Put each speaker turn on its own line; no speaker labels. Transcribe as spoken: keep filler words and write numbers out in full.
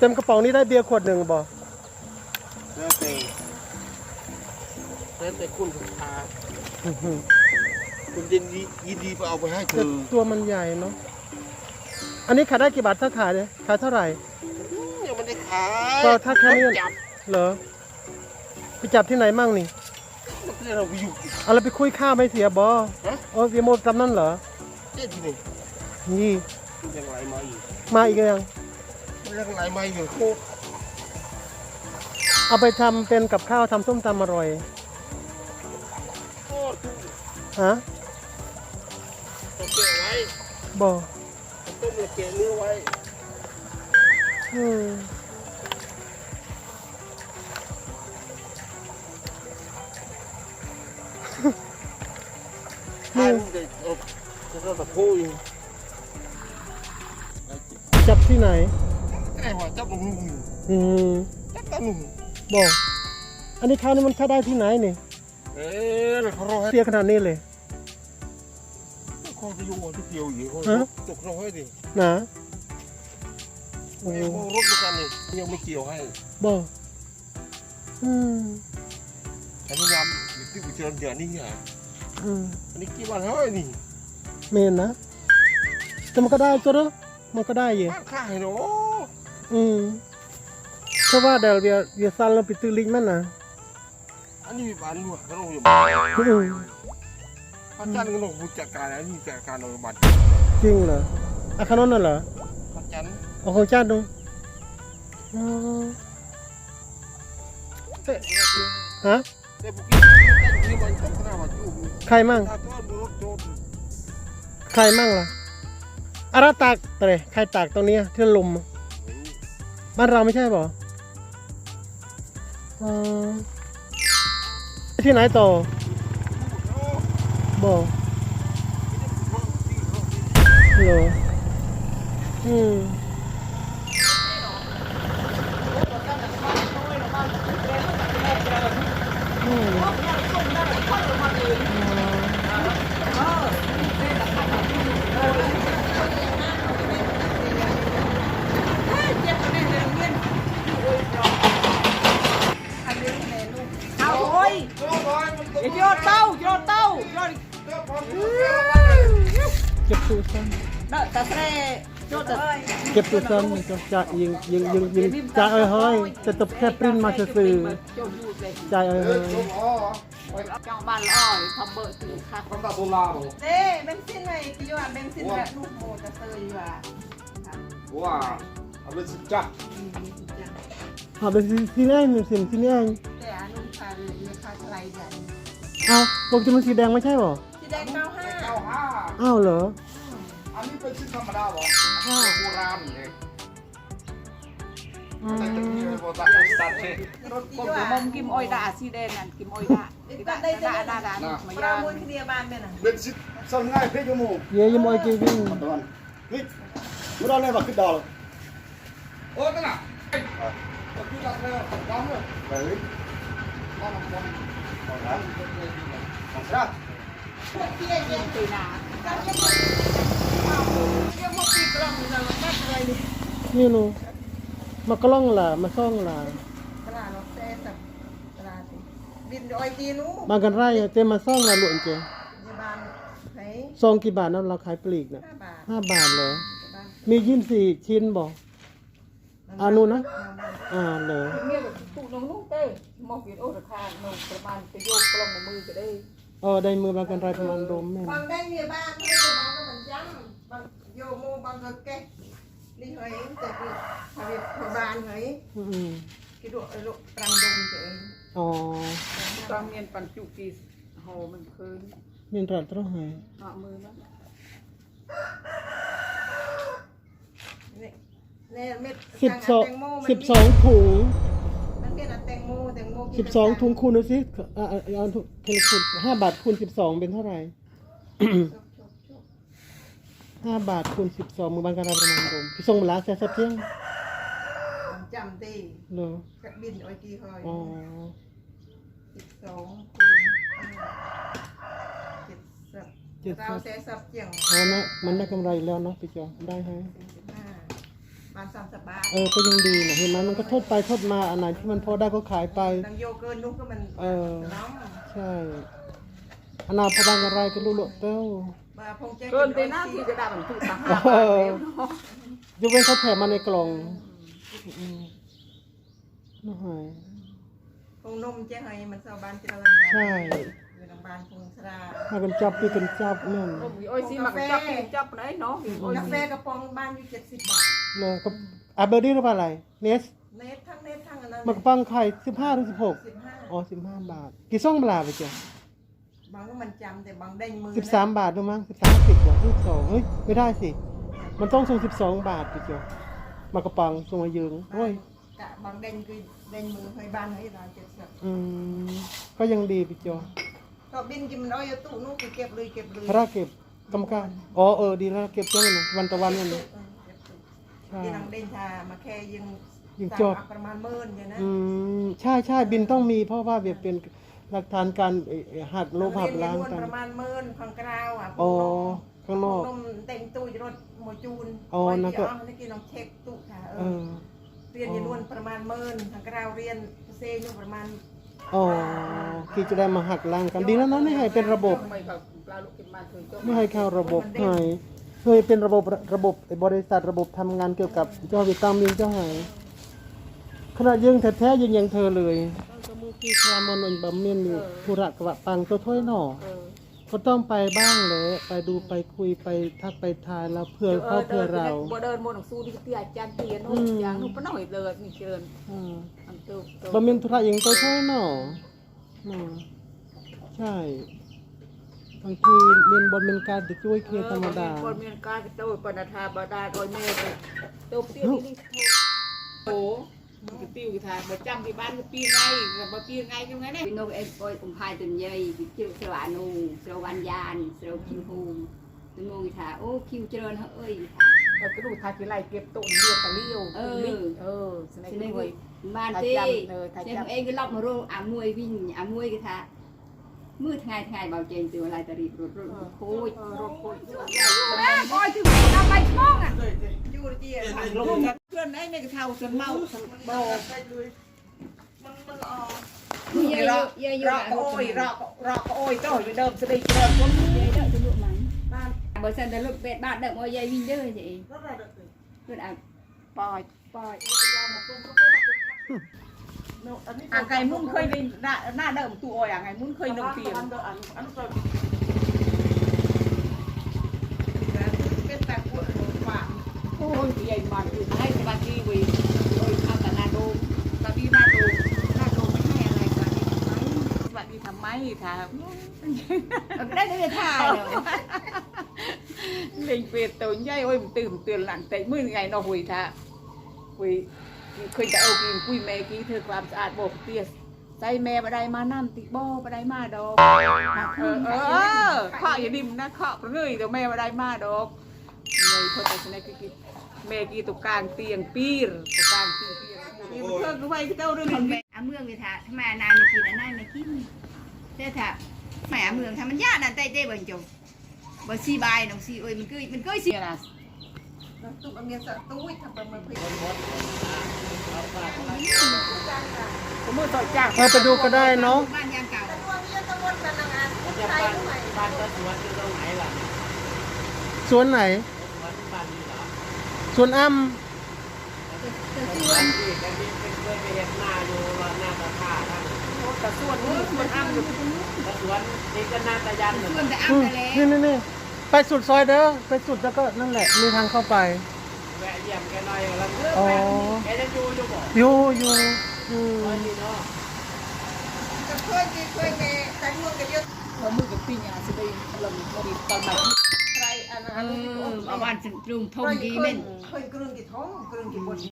ต็มกระป๋องนี้ได้เบียร์ขวดหนึ่งบ่
แล้วแต่แล้วแต่คุณศรัทธาคุณยินดียินดีไปเอาไปให้เธอ
ตัวมันใหญ่เนาะอันนี้ขายได้กี่บาทถ้าขายเนี่ยขายเท่าไหร่
ยังไม่ได้ขาย
ก็ถ้าแค่นี้เหรอไปจับที่ไหนมั่งนี่
เราไปอยู่
เอาเราไปคุยข้าวไม่เสียบอเออเบียร์โมดจำนั่นเหรอ
เจ๊ที่นี่
นี่
ยังไรมาอีก
มาอีกยัง
ยังไรมาอยู่โคตร
เอาไปทำเป็นกับข้าวทำส้มตำอร่อยฮะ
ต้องเก็บไว้
บ่
ต้มแล้วเก็บเนื้อไว้
อืม
นี่จะจะตะพูอยู่
จับที่ไหน
ไอ้หัวจับนุ่ม
อืม
จับกันนุ่ม
บ่อันนี้ข้าวนี่มันค่าได้ที่ไหนนี่
เอ๊ะเขารอให้
เสียขนาดนี้เลย
เขาจะอยู่ที่เกี่ยวอยู่เขาตกรอให้ดิ
นะ
โอ้รถด้วยกันนี่ยังไม่เกี่ยวให้
บ่อืม
อันนี้ยำอยู่ที่กุเชียนเดือนนี่ไง
อืม
อันนี้กี่วันเฮ้ยนี่
เมนนะแต่มันก็ได้ตัวเนาะมันก็ได้อยู่
ข้าให้เนาะ
อืมเพราะว่าเดี๋ยวเดี๋ยวเดี๋ยวซันเราไปตื้อลิงมันนะ
อันนี้บ้านด้วยก็ต้องอยู่
บ้าน
พระจันทร์ก็ต้องผู้จัดการอันนี้จัดการเราบ้าน
จริงเหรออาคารนั้นน่ะเหรอ
พระจันทร์
อ๋อของจันทร์ดูอ๋อฮะใครมั่งใครมั่งล่ะอาราตากเตะใครตากตรงนี้ที่ลมบ้านเราไม่ใช่ป่ะอ๋อที่ไหนต่อบ่เหรออืมอืม
โยนเต้าโยนเต้าโยน
เก็บตู้ซ้
ำเด้อตาเสร่โยนเต้า
เก็บตู้ซ้ำจะจะยิงยิงยิงยิงจ่ายเอ้ยเฮ้ยจะตบแค่ปริ้นมาสื่อจ่ายเอ้ยเฮ้ย
จังบ้านอ้อยทำเบอร์สื่อค่ะ
ทำตาโบราณ
เด้เบนซินไงกี่ว่าเบนซินแบบลูกโมจะเซยว่า
ว้าเอาเป็นสุดจัด
เอาเป็นที่นี่หนึ่งสิ่งที่นี่
แต่อนุชาเลยราคาเท่าไรเดือน
เอาปกติมันสีแดงไม่ใช่หรอ
สีแดงเก้าห้า
เก้าห้า
อ้าวเหรอ
อันนี้เป็นชิ้นธรรมดาหรอโบราณเลยแต่จะมีโบราณสตาร์ทเช่
รถกี่ว่ามุมกิมออยดาสีแดงนั่นกิมออยดาได้ได้ได้ได้ได้มาย่างมูลคดีบาลเป็นอ่ะ
เป็นชิ้นสั่งง่ายเพื่อยมู
เยี่ยมอยกีวิ่ง
ตอนนี่มุดเอาเลยมาขึ้นดาวโอ้ตั้งน่ะก็คือดักเลยดาวเลยไปเลยมาหนักบอลบอลนะมาซะ
ที่ได้เย็นตีนายังมาปีกลองเราไม่อะไรนี่
นี่ลูมากล้องล่ะมาซ่องล่ะ
ตลาดรถเต้สับตลาดสิบินดอยจีนู้
บางกันไร่เต็มมาซ่องล่ะหลวงเจ้
บานไหน
ซองกี่บาทนั่นเราขายปลีกน่ะห้าบาทเลยมียี่สิบสี่ชิ้นบอกอานุนะอ่าเลย
เนี่ยตุนนุ่งเต้มองเห็นโอ้ราคาหนึ่งประมาณไปโยกกล้องมือก็ได้
เออได้มือบางกันไรประมาณรวมแม่
บางได้เนี่ยบ้านไม่ได้บ้านก็มันจังบางโยโมบางก็แก่นี่เฮ้ยแต่คือทำเป็นบ้านเฮ้ย
อืม
คิดดูลูกตรังดงเจ๋ง
อ๋อ
ตรังเมียนปันจุกีโหมันคืน
เมียนรัดต้องหาย
เอามือมั้ง
สิบสองสิบสองถุง
มันเป็นแตงโมแตงโม
สิบสองถุงคูณดูสิอ่าเอาถุงคูณห้าบาทคูณสิบสองเป็นเท่าไหร่ห้าบาทคูณสิบสองมือบางการประมาณรวมพี่ส่งมาแล้วแซ่บเที่ยง
จำตี
เหรอ
บินโอ้ยกี่คอย
อ๋อ
สิบสองคูณเจ็ดสิบเราแซ่บเจียง
อ๋อนะมันได้กำไรแล้วเนาะพี่จอได้ฮะ
มาณสามสิบบาท
เออก็ยังดีนะเห็นไหมมันก็ทดไปทดมาอันไหนที่มันพอได้ก็ขายไป
ดังโยเกินนุ๊กก็มัน
เออ
น้อง
ใช่อนาพบางอะไรก็รู้โลดเต้า
มาพงเจ๊
เกินไปหน้าที่ก็ได้มันถูกต่างหาก
เออ
แล้วเนาะ
ยกเว้นเขาแถมมาในกล่องอืมน่าหาย
พงนมเจ๊ให้มันชาวบ้านเจริญ
ใช่
อยู่ทางบ้านพงสรา
มากันจับพี่กันจับนั่น
โอ้ยสิมันก็จับกินจับไหนเนาะโอ้ย
กาแฟกระป๋องบ้านอยู่เจ็ดสิบบาท
เลยก็อาเบอร์ดี้หรือเปล่าอะไรเนส
เน็ตทั้งเน็ตทั้งอันนั้น
มันกระปังไข่สิบห้าหรือสิบหก
สิบห้า
อ๋อสิบห้าบาท กี่ซ่องเวลาไปจ้ะ
บางก็มันจำแต่บางได้มือ
สิบสามบาทด้วยมั้งสิบสามสิบกว่าสิบสองเฮ้ยไม่ได้สิ มันต้องส่งสิบสองบาทไปจ้ะมากระปังส่งมายืงโอ้ย
กะบางเด่นคือเด่นมือให้บ้านให้เราเจ็ดสิบ
อืมก็ยังดีไปจ้ะ
ก็บินกินมันเอาอยู่ตู้นู้นคือเก็บเลยเก็บเลย
พระเก็บกรรมการอ๋อเออดีแล้วเก็บจ้างนะวันต่อวันนั่น
เอ
นะ
อเก็บตู้
ใช่
ที่นางเด่นชามาแค่ยัง
ยัง
สั่
จด
เอาประมาณหมื่นอย่างนั้น
อืมใช่ใช่บินต้องมีเพราะว่าแบบเป็นหลักฐานการเอ่อหักลบหักล้าง
เรียน
กัน
ประมาณหมื่นข้างกราวอ่ะ
อ๋อข้างนอก
นมเต็มตู้จะรถหมจูน
อ๋อนั่นก็
ก็เมื่อกี้น้องเช็คตู้ค่ะเอ
เอ
อ
อ
เรียนอยนวนประมาณหมื่นข้างกราวเรียนเซอยู่ประมาณ
อ๋อที่จะได้มาหักล้างกันดีแล้วเนาะไม่ให้เป็นระบบ
ไม่กับปลาลูกกินมาถึงจบ
ไม่ให้เข้าระบบให้เคยเป็นระบบระบบไอ้บริษัทระบบทำงานเกี่ยวกับเจ้าวิตามินเจ้าหายขณะยังแท้ๆยังยังเธอเลยก็มือที่คลามอนนบำเมียนอยู่ธุระกะปังตัวถ้วยหน่อ
เออ
ก็ต้องไปบ้างเลยไปดูไปคุยไปทักไปทายแล้วเพื่อเขาเพื่อเรา
บ่เดินบนหนังสู้ที่ที่อาจารย์เตียนโน้อย่างนู้นปน้อยเลยนี่เชิญ
อืม
อันตู้
บะเมียนธุระยังตัวถ้วยหน่ออืมใช่บางทีเรียนบอลเป็นการจะช่วยเคลียร์ธรรมดา
คนมีการโตปนธาบดาโดยแม่โตเตี้ยนี่โอ้มันก็ปิ้วทางบ่จำที่บ้านก็ปิ้วไงก็บ่ปิ้วไงกันไงเนี่ย
Pino em coi cùng hai tuần dây bị chịu sờ ăn nụ sờ van gian sờ kim hùng tôi ngồi thả ô kêu trơn hả ơi
เราก็ดูทากี่ไรเก็บตุ่นเรียกตะเลี้ยวเออเออสมัย
cho
นี้
nên
เว้ย
mà
Thả
tê
chăm, ờ, thả
xem
chăm.
em cái lọc mà rô à muôi vinh à muôi cái thả mưa ngày ngày bảo trên từ lại tari rụt rụt khôi
เออรถโคตร
coi chứ mày tao bay mong à
ยูเจีย
ลงเพื่อนไอ้ในกระเทาจนเมาโบ
มันมันออก
giờ giờ giờ
รอ
giờ
ก็โอ้ยรอก็รอก็โอ้ยโต้ยเดิมสติเดิมคน
giờ đợi tôi lụa mày
บ้าน
bởi sao tao lụa bẹt bạn đợi ngồi dây vinh chứ vậy
รถอะไรเด็ก
rồi à
ปล่อยปล่อย
อันนี้
อ่างไก่มุ้นเคยได้หน้าหน้าเดิมตัวโอ้ยอ่างไก่มุ้นเคยหนึ่งปี
อันอันอันเป็นแต่ปวดหัวฝา
โอ้ยใหญ่มันอยู่ให้สบายดีวีโอ้ยทำแต่นาโดมตาดีนาโดมนาโดมไม่ให้อะไรสบายดีทำไมสบายดีทำไมถาม
cái đấy để thải rồi
เล่นเปียตัวใหญ่โอ้ยมันตื่นเตือนหลังแต่มื่อไงเนาะหุยท่าหุยเคยจะเอากินคุยแม่กี้เธอความสะอาดบอกเตี้ยใส่แม่มาได้มาน้ำติบ่อมาได้มาดอกเออเออข้ออย่าดิ่มนะข้อเงยแต่แม่มาได้มาดอกเงยเขาแต่ชนะกี้แม่กี้ตัวกลางเตียงปีรตัวกลางเตียงปีรนี่มันเพิ่งก็ไปเจ้าเรื่องนี้
à mương người thả thằng mà này mà kì là này mà kim thế thả mẹ mương thằngมันยากนั่นเต้เต้เบิ่งจงบ่ซีบายน้องซีเอ้ยมันคือมันเคยสิ
เนี่ยนะ
ตุ้มเมียสตุ้ยทำเป็นมันเพื่อน
ผมมือต่อยจ้าง
ไปไปดูก็ได้เนาะ
บ้านยางเก่า
ตัวเมียตะวันกันนางอันใส่ด้วย
บ้านก็สวนอยู่ตรงไหนล่ะ
สวนไหน
สวนบ้านนี้เหรอ
สวนอ้ำ
บ้านที่กันนี้เป็นเคยไปเห็นหน้าอยู่ว่าหน้าตาท่าท่าน
แต่ส่วนนี้ส่วนอ้ำอยู่
แล้วสวนนี่ก็หน้าตายันเหมือน
ส่วนแต่
อื
อ้ำ
ม
ไปแล้ว
นี่นี่นี่ไปสุดซอยเด้อไปสุดแล้วก็นั่นแหละมีทางเข้าไป
แวะเยี่ยมแกหน่อยแล้วเลิก
อ๋อ
แกจะอยู่อยู่บ่
อยู่อยู่อืม
ตอนนี้เนาะ
จะเคยดีเคยแม่แต่เมืองกันเยอะ
เขามือกับปีเนี่ยสิได้ลงดีตอนใหม่
ใครอัน
เอ
นั้น
อเอาบ้านถึงตรงทง
เคย
ดี
เค
แม่
ย
น
เคยกรึงกี่ท้องกรึงกี่บน